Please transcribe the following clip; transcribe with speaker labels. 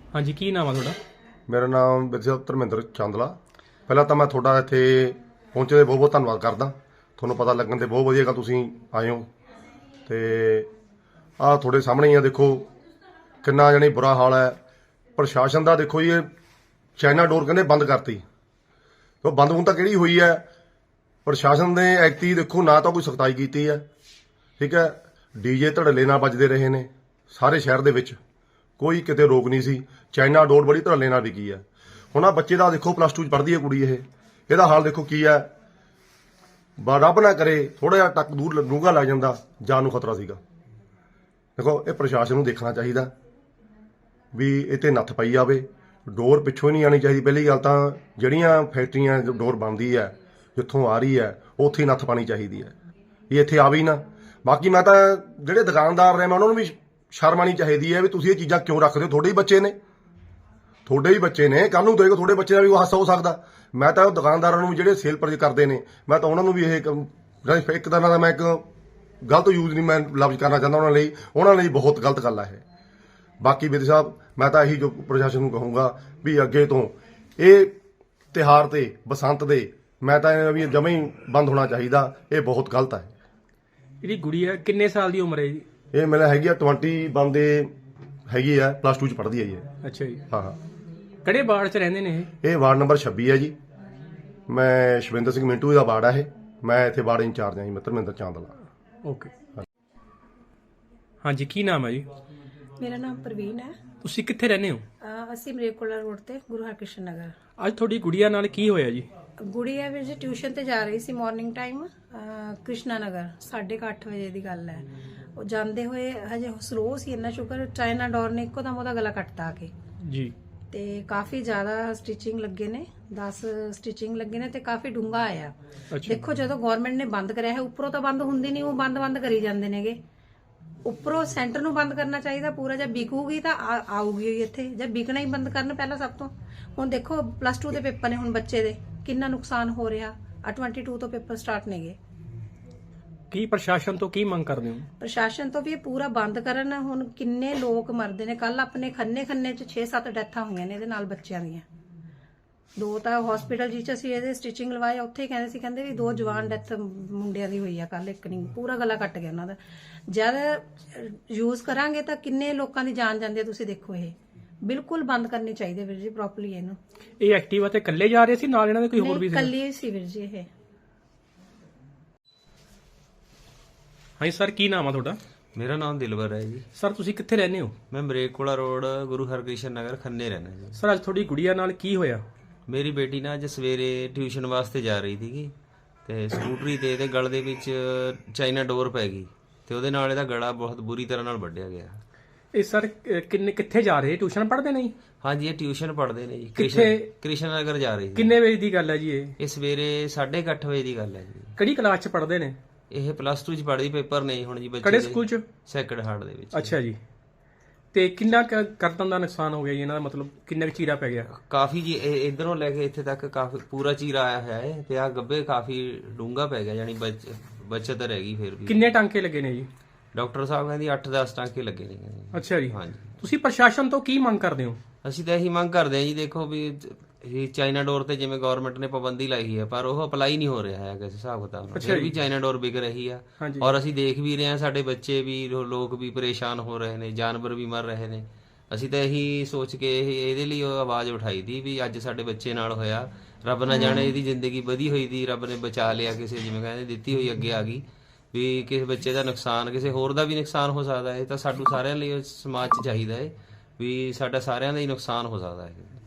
Speaker 1: हाँ जी, की नाम है थोड़ा?
Speaker 2: ਮੇਰਾ ਨਾਮ ਵਿਜੇ ਧਰਮਿੰਦਰ ਚਾਂਦਲਾ। ਪਹਿਲਾਂ ਤਾਂ ਮੈਂ ਤੁਹਾਡਾ ਇੱਥੇ ਪਹੁੰਚੇ ਦੇ ਬਹੁਤ ਬਹੁਤ ਧੰਨਵਾਦ ਕਰਦਾ। ਤੁਹਾਨੂੰ ਪਤਾ ਲੱਗਣ ਤੇ ਬਹੁਤ ਵਧੀਆ ਗੱਲ ਤੁਸੀਂ ਆਏ ਹੋ। ਤੇ ਆਹ ਤੁਹਾਡੇ ਸਾਹਮਣੇ ਹੀ ਆ, ਦੇਖੋ ਕਿੰਨਾ ਜਾਣੀ ਬੁਰਾ ਹਾਲ ਹੈ। ਪ੍ਰਸ਼ਾਸਨ ਦਾ ਦੇਖੋ ਜੀ, ਇਹ ਚਾਈਨਾ ਡੋਰ ਕਹਿੰਦੇ ਬੰਦ ਕਰਤੀ। ਉਹ ਬੰਦ ਹੁਣ ਤਾਂ ਕਿਹੜੀ ਹੋਈ ਹੈ? ਪ੍ਰਸ਼ਾਸਨ ਨੇ ਐਕਟੀ ਦੇਖੋ ਨਾ ਤਾਂ ਕੋਈ ਸਖਤਾਈ ਕੀਤੀ ਹੈ, ਠੀਕ ਹੈ। ਡੀਜੇ ਧੜੱਲੇ ਨਾਲ ਵੱਜਦੇ ਰਹੇ ਨੇ ਸਾਰੇ ਸ਼ਹਿਰ ਦੇ ਵਿੱਚ, ਕੋਈ ਕਿਤੇ ਰੋਕ ਨਹੀਂ ਸੀ। ਚਾਈਨਾ ਡੋਰ ਬੜੀ ਧੜੱਲੇ ਨਾਲ ਵਿਕੀ ਹੈ। ਹੁਣ ਆ ਬੱਚੇ ਦਾ ਦੇਖੋ ਪਲੱਸ 2 ਚ ਪੜ੍ਹਦੀ ਹੈ ਕੁੜੀ, ਇਹਦਾ ਹਾਲ ਦੇਖੋ ਕੀ ਹੈ। ਰੱਬ ਨਾ ਕਰੇ ਥੋੜਾ ਜਿਹਾ ਟੱਕ ਦੂਰ ਡੂੰਘਾ ਲੱਗ ਜਾਂਦਾ, ਜਾਨ ਨੂੰ ਖਤਰਾ ਸੀਗਾ। ਦੇਖੋ ਇਹ ਪ੍ਰਸ਼ਾਸਨ ਨੂੰ ਦੇਖਣਾ ਚਾਹੀਦਾ ਵੀ ਇਹ ਤੇ ਨੱਥ ਪਾਈ ਜਾਵੇ। ਡੋਰ ਪਿੱਛੋਂ ਹੀ ਨਹੀਂ ਆਣੀ ਚਾਹੀਦੀ। ਪਹਿਲੀ ਗੱਲ ਤਾਂ ਜਿਹੜੀਆਂ ਫੈਕਟਰੀਆਂ ਡੋਰ ਬਣਦੀ ਹੈ, ਜਿੱਥੋਂ ਆ ਰਹੀ ਹੈ ਉੱਥੇ ਹੀ ਨੱਥ ਪਾਣੀ ਚਾਹੀਦੀ ਹੈ, ਇਹ ਇੱਥੇ ਆਵੇ ਹੀ ਨਾ। ਬਾਕੀ ਮੈਂ ਤਾਂ ਜਿਹੜੇ ਦੁਕਾਨਦਾਰ ਨੇ ਮੈਂ ਉਹਨਾਂ ਨੂੰ ਵੀ ਸ਼ਰਮ ਆਣੀ ਚਾਹੀਦੀ ਹੈ ਵੀ ਤੁਸੀਂ ਇਹ ਚੀਜ਼ਾਂ ਕਿਉਂ ਰੱਖਦੇ ਹੋ। ਤੁਹਾਡੇ ਹੀ ਬੱਚੇ ਨੇ, ਤੁਹਾਡੇ ਹੀ ਬੱਚੇ ਨੇ, ਕੱਲ ਨੂੰ ਦੇਖੋ ਤੁਹਾਡੇ ਬੱਚੇ ਦਾ ਵੀ ਉਹ ਹਾਸਾ ਹੋ ਸਕਦਾ। ਮੈਂ ਤਾਂ ਉਹ ਦੁਕਾਨਦਾਰਾਂ ਨੂੰ ਜਿਹੜੇ ਸੇਲ ਪਰਚੇਜ ਕਰਦੇ ਨੇ, ਮੈਂ ਤਾਂ ਉਹਨਾਂ ਨੂੰ ਵੀ ਇਹ ਇੱਕ ਤਰ੍ਹਾਂ ਦਾ ਮੈਂ ਇੱਕ ਗਲਤ ਯੂਜ਼ ਨਹੀਂ ਮੈਂ ਲਫ਼ਜ਼ ਕਰਨਾ ਚਾਹੁੰਦਾ ਉਹਨਾਂ ਲਈ ਬਹੁਤ ਗਲਤ ਗੱਲ ਹੈ ਇਹ। ਬਾਕੀ ਵਿਧੀ ਸਾਹਿਬ ਮੈਂ ਤਾਂ ਇਹੀ ਜੋ ਪ੍ਰਸ਼ਾਸਨ ਨੂੰ ਕਹੂੰਗਾ ਵੀ ਅੱਗੇ ਤੋਂ ਇਹ ਤਿਉਹਾਰ ਤੇ ਬਸੰਤ ਦੇ ਮੈਂ ਤਾਂ ਵੀ ਜਮਾਂ ਹੀ ਬੰਦ ਹੋਣਾ ਚਾਹੀਦਾ। ਇਹ ਬਹੁਤ ਗਲਤ ਹੈ।
Speaker 1: ਇਹਦੀ ਗੁੜੀ ਹੈ, ਕਿੰਨੇ ਸਾਲ ਦੀ ਉਮਰ ਹੈ ਜੀ?
Speaker 2: ਇਹ ਮੈਨੂੰ ਹੈਗੀ ਆ 21 ਦੇ ਹੈਗੀ ਆ, ਪਲੱਸ 2 ਚ ਪੜ੍ਹਦੀ ਹੈ ਜੀ।
Speaker 1: ਅੱਛਾ ਜੀ।
Speaker 2: ਹਾਂ।
Speaker 1: ਕਿਹੜੇ ਵਾਰਡ 'ਚ ਰਹਿੰਦੇ ਨੇ ਇਹ?
Speaker 2: ਇਹ ਵਾਰਡ ਨੰਬਰ 26 ਹੈ ਜੀ। ਮੈਂ ਸ਼ਵਿੰਦਰ ਸਿੰਘ ਮਿੰਟੂ ਦਾ ਵਾਰਡ ਆ ਇਹ। ਮੈਂ ਇੱਥੇ ਵਾਰਡ ਇੰਚਾਰਜ ਹਾਂ ਜੀ, ਧਰਮਿੰਦਰ ਚਾਂਦਲਾ।
Speaker 1: ਓਕੇ। ਹਾਂਜੀ, ਕੀ ਨਾਮ ਹੈ ਜੀ?
Speaker 3: ਮੇਰਾ ਨਾਮ ਪ੍ਰਵੀਨ ਹੈ।
Speaker 1: ਤੁਸੀਂ ਕਿੱਥੇ ਰਹਿੰਦੇ ਹੋ?
Speaker 3: ਅਸੀਂ ਮਰੇਕੋਲਾ ਰੋਡ ਤੇ ਗੁਰੂ ਹਰਕ੍ਰਿਸ਼ਨ ਨਗਰ।
Speaker 1: ਅੱਜ ਤੁਹਾਡੀ ਗੁੜੀਆ ਨਾਲ ਕੀ ਹੋਇਆ ਜੀ?
Speaker 3: ਗੁੜੀਆ ਵੀਰ ਜੀ ਟਿਊਸ਼ਨ ਤੇ ਜਾ ਰਹੀ ਸੀ ਮਾਰਨਿੰਗ ਟਾਈਮ, ਕ੍ਰਿਸ਼ਨਾ ਨਗਰ 8:30 ਵਜੇ ਦੀ ਗੱਲ ਹੈ। ਉਹ ਜਾਂਦੇ ਹੋਏ ਹਜੇ ਸਲੋ ਸੀ, ਇੰਨਾ ਸ਼ੁਕਰ ਚਾਈਨਾ ਡੋਰ ਨੇ ਇੱਕੋ ਦਮ ਉਹਦਾ ਗਲਾ ਕੱਟਤਾ ਆ ਕੇ
Speaker 1: ਜੀ।
Speaker 3: ਤੇ ਕਾਫੀ ਜ਼ਿਆਦਾ ਸਟਿਚਿੰਗ ਲੱਗੇ ਨੇ, 10 ਸਟਿਚਿੰਗ ਲੱਗੇ ਨੇ ਤੇ ਕਾਫੀ ਡੂੰਘਾ ਆਇਆ। ਦੇਖੋ ਜਦੋਂ ਗਵਰਨਮੈਂਟ ਨੇ ਬੰਦ ਕਰਿਆ ਹੈ, ਉੱਪਰੋਂ ਤਾਂ ਬੰਦ ਹੁੰਦੀ ਨਹੀਂ, ਉਹ ਬੰਦ ਕਰੀ ਜਾਂਦੇ ਨੇਗੇ। ਉੱਪਰੋਂ ਸੈਂਟਰ ਨੂੰ ਬੰਦ ਕਰਨਾ ਚਾਹੀਦਾ ਪੂਰਾ। ਜਦ ਵਿਕੂਗੀ ਤਾਂ ਆਊਗੀ ਇੱਥੇ, ਜਦ ਵਿਕਣਾ ਹੀ ਬੰਦ ਕਰਨ ਪਹਿਲਾਂ ਸਭ ਤੋਂ। ਹੁਣ ਦੇਖੋ ਪਲੱਸ 2 ਦੇ ਪੇਪਰ ਨੇ, ਹੁਣ ਬੱਚੇ ਦੇ ਕਿੰਨਾ ਨੁਕਸਾਨ ਹੋ ਰਿਹਾ। 22 ਤੋਂ ਪੇਪਰ ਸਟਾਰਟ ਨੇਗੇ।
Speaker 1: ਕੀ ਪ੍ਰਸ਼ਾਸਨ ਤੋਂ ਕੀ ਮੰਗ ਕਰਦੇ ਹੋ?
Speaker 3: ਪ੍ਰਸ਼ਾਸਨ ਤੋਂ ਵੀ ਇਹ ਪੂਰਾ ਬੰਦ ਕਰਨ। ਹੁਣ ਕਿੰਨੇ ਲੋਕ ਮਰਦੇ ਨੇ, ਕੱਲ ਆਪਣੇ ਖੰਨੇ ਚ 6-7 ਡੈਥਾਂ ਹੋਈਆਂ ਨੇ ਇਹਦੇ ਨਾਲ ਬੱਚਿਆਂ ਦੀਆਂ। 2 ਤਾਂ ਹਸਪੀਟਲ ਜਿੱਚ ਅਸੀਂ ਇਹਦੇ ਸਟਿਚਿੰਗ ਲਵਾਏ, ਉੱਥੇ ਹੀ ਕਹਿੰਦੇ ਵੀ 2 ਜਵਾਨ ਡੈਥ ਮੁੰਡਿਆਂ ਦੀ ਹੋਈ ਆ ਕੱਲ। ਇੱਕ ਨਹੀਂ, ਪੂਰਾ ਗਲਾ ਕੱਟ ਗਿਆ ਉਹਨਾਂ ਦਾ। ਜਦ ਯੂਜ਼ ਕਰਾਂਗੇ ਤਾਂ ਕਿੰਨੇ ਲੋਕਾਂ ਦੀ ਜਾਨ ਜਾਂਦੀ ਹੈ, ਤੁਸੀਂ ਦੇਖੋ। ਇਹ ਬਿਲਕੁਲ ਬੰਦ ਕਰਨੀ ਚਾਹੀਦੀ ਵੀਰ ਜੀ ਪ੍ਰੋਪਰਲੀ ਇਹਨੂੰ।
Speaker 1: ਇਹ ਐਕਟਿਵਾ ਤੇ ਇਕੱਲੇ ਜਾ ਰਹੇ ਸੀ, ਨਾਲ ਇਹਨਾਂ ਦੇ ਕੋਈ ਹੋਰ ਵੀ ਸੀ?
Speaker 3: ਇਕੱਲੀ ਸੀ ਵੀਰ ਜੀ ਇਹ।
Speaker 1: ਹਾਂਜੀ ਸਰ, ਕੀ ਨਾਮ ਆ ਤੁਹਾਡਾ?
Speaker 4: ਮੇਰਾ ਨਾਮ ਦਿਲਵਰ ਹੈ ਜੀ।
Speaker 1: ਸਰ ਤੁਸੀਂ ਕਿੱਥੇ ਰਹਿੰਦੇ ਹੋ?
Speaker 4: ਮੈਂ ਮਰੇਕੋਲਾ ਰੋਡ ਗੁਰੂ ਹਰਕ੍ਰਿਸ਼ਨ ਨਗਰ ਖੰਨੇ ਰਹਿੰਦਾ ਜੀ।
Speaker 1: ਸਰ ਅੱਜ ਤੁਹਾਡੀ ਗੁੜੀਆ ਨਾਲ ਕੀ ਹੋਇਆ?
Speaker 4: ਮੇਰੀ ਬੇਟੀ ਨਾ ਅੱਜ ਸਵੇਰੇ ਟਿਊਸ਼ਨ ਵਾਸਤੇ ਜਾ ਰਹੀ ਸੀਗੀ ਤੇ ਸਕੂਟਰੀ ਤੇ ਇਹਦੇ ਗਲ ਦੇ ਵਿੱਚ ਚਾਈਨਾ ਡੋਰ ਪੈ ਗਈ ਤੇ ਉਹਦੇ ਨਾਲ ਇਹਦਾ ਗਲਾ ਬਹੁਤ ਬੁਰੀ ਤਰ੍ਹਾਂ ਨਾਲ ਵੱਢਿਆ ਗਿਆ।
Speaker 1: ਇਹ ਸਰ ਕਿੱਥੇ ਜਾ ਰਹੇ? ਟਿਊਸ਼ਨ ਪੜ੍ਹਦੇ ਨਹੀਂ?
Speaker 4: ਹਾਂਜੀ, ਇਹ ਟਿਊਸ਼ਨ ਪੜ੍ਹਦੇ ਨੇ ਜੀ। ਕ੍ਰਿਸ਼ਨ ਨਗਰ ਜਾ ਰਹੀ ਸੀ।
Speaker 1: ਕਿੰਨੇ ਵਜੇ ਦੀ ਗੱਲ ਹੈ ਜੀ ਇਹ?
Speaker 4: ਇਹ ਸਵੇਰੇ 8:30 ਵਜੇ ਦੀ ਗੱਲ ਹੈ ਜੀ।
Speaker 1: ਕਿਹੜੀ ਕਲਾਸ 'ਚ ਪੜ੍ਹਦੇ ਨੇ?
Speaker 4: ਇਹ ਪਲੱਸ 2 ਚ ਪੜ੍ਹਦੀ, ਪੇਪਰ ਨਹੀਂ ਹੁਣ ਜੀ ਬੱਚੇ
Speaker 1: ਕਿਹੜੇ ਸਕੂਲ 'ਚ?
Speaker 4: ਸੈਕਰਡ ਹਾਰਟ ਦੇ ਵਿੱਚ।
Speaker 1: ਅੱਛਾ ਜੀ। ਤੇ ਕਿੰਨਾ ਕਰਤਨ ਦਾ ਨੁਕਸਾਨ ਹੋ ਗਿਆ ਜੀ ਇਹਨਾਂ ਦਾ? ਮਤਲਬ ਕਿੰਨਾ ਚੀਰਾ ਪੈ ਗਿਆ?
Speaker 4: ਕਾਫੀ ਜੀ, ਇਧਰੋਂ ਲੈ ਕੇ ਇੱਥੇ ਤੱਕ ਕਾਫੀ ਪੂਰਾ ਚੀਰਾ ਆਇਆ ਹੋਇਆ ਹੈ ਤੇ ਆ ਗੱਬੇ ਕਾਫੀ ਡੂੰਘਾ ਪੈ ਗਿਆ, ਯਾਨੀ ਬਚਤ ਰਹਿ ਗਈ ਫਿਰ ਵੀ।
Speaker 1: ਕਿੰਨੇ ਟਾਂਕੇ ਲੱਗੇ ਨੇ ਜੀ?
Speaker 4: ਡਾਕਟਰ ਸਾਹਿਬ ਕਹਿੰਦੀ 8-10 ਟਾਂਕੇ ਲੱਗੇ ਨੇ।
Speaker 1: ਅੱਛਾ ਜੀ।
Speaker 4: ਹਾਂਜੀ।
Speaker 1: ਤੁਸੀਂ ਪ੍ਰਸ਼ਾਸਨ ਤੋਂ ਕੀ ਮੰਗ ਕਰਦੇ ਹੋ?
Speaker 4: ਅਸੀਂ ਤਾਂ ਇਹੀ ਮੰਗ ਕਰਦੇ ਹਾਂ ਜੀ, ਦੇਖੋ ਵੀ ਇਹ ਚਾਈਨਾ ਡੋਰ ਤੇ ਜਿਵੇਂ ਗਵਰਨਮੈਂਟ ਨੇ ਪਾਬੰਦੀ ਲਾਈ ਹੈ ਪਰ ਉਹ ਅਪਲਾਈ ਨਹੀਂ ਹੋ ਰਿਹਾ ਹੈ ਕਿਸੇ ਹਿਸਾਬ ਕਿਤਾਬ ਨਾਲ। ਫਿਰ ਵੀ ਚਾਈਨਾ ਡੋਰ ਵਿਕ ਰਹੀ ਆ ਔਰ ਅਸੀਂ ਦੇਖ ਵੀ ਰਹੇ ਹਾਂ, ਸਾਡੇ ਬੱਚੇ ਵੀ ਲੋਕ ਵੀ ਪਰੇਸ਼ਾਨ ਹੋ ਰਹੇ ਨੇ, ਜਾਨਵਰ ਵੀ ਮਰ ਰਹੇ ਨੇ। ਅਸੀਂ ਤਾਂ ਇਹੀ ਸੋਚ ਕੇ ਇਹਦੇ ਲਈ ਉਹ ਆਵਾਜ਼ ਉਠਾਈ ਦੀ ਵੀ ਅੱਜ ਸਾਡੇ ਬੱਚੇ ਨਾਲ ਹੋਇਆ। ਰੱਬ ਨਾ ਜਾਣੇ ਇਹਦੀ ਜ਼ਿੰਦਗੀ ਵਧੀ ਹੋਈ ਦੀ ਰੱਬ ਨੇ ਬਚਾ ਲਿਆ, ਕਿਸੇ ਜਿਵੇਂ ਕਹਿੰਦੇ ਦਿੱਤੀ ਹੋਈ ਅੱਗੇ ਆ ਗਈ ਵੀ ਕਿਸੇ ਬੱਚੇ ਦਾ ਨੁਕਸਾਨ, ਕਿਸੇ ਹੋਰ ਦਾ ਵੀ ਨੁਕਸਾਨ ਹੋ ਸਕਦਾ ਹੈ। ਤਾਂ ਸਾਨੂੰ ਸਾਰਿਆਂ ਲਈ ਸਮਾਜ 'ਚ ਚਾਹੀਦਾ ਹੈ ਵੀ ਸਾਡਾ ਸਾਰਿਆਂ ਦਾ ਹੀ ਨੁਕਸਾਨ ਹੋ ਸਕਦਾ ਹੈ।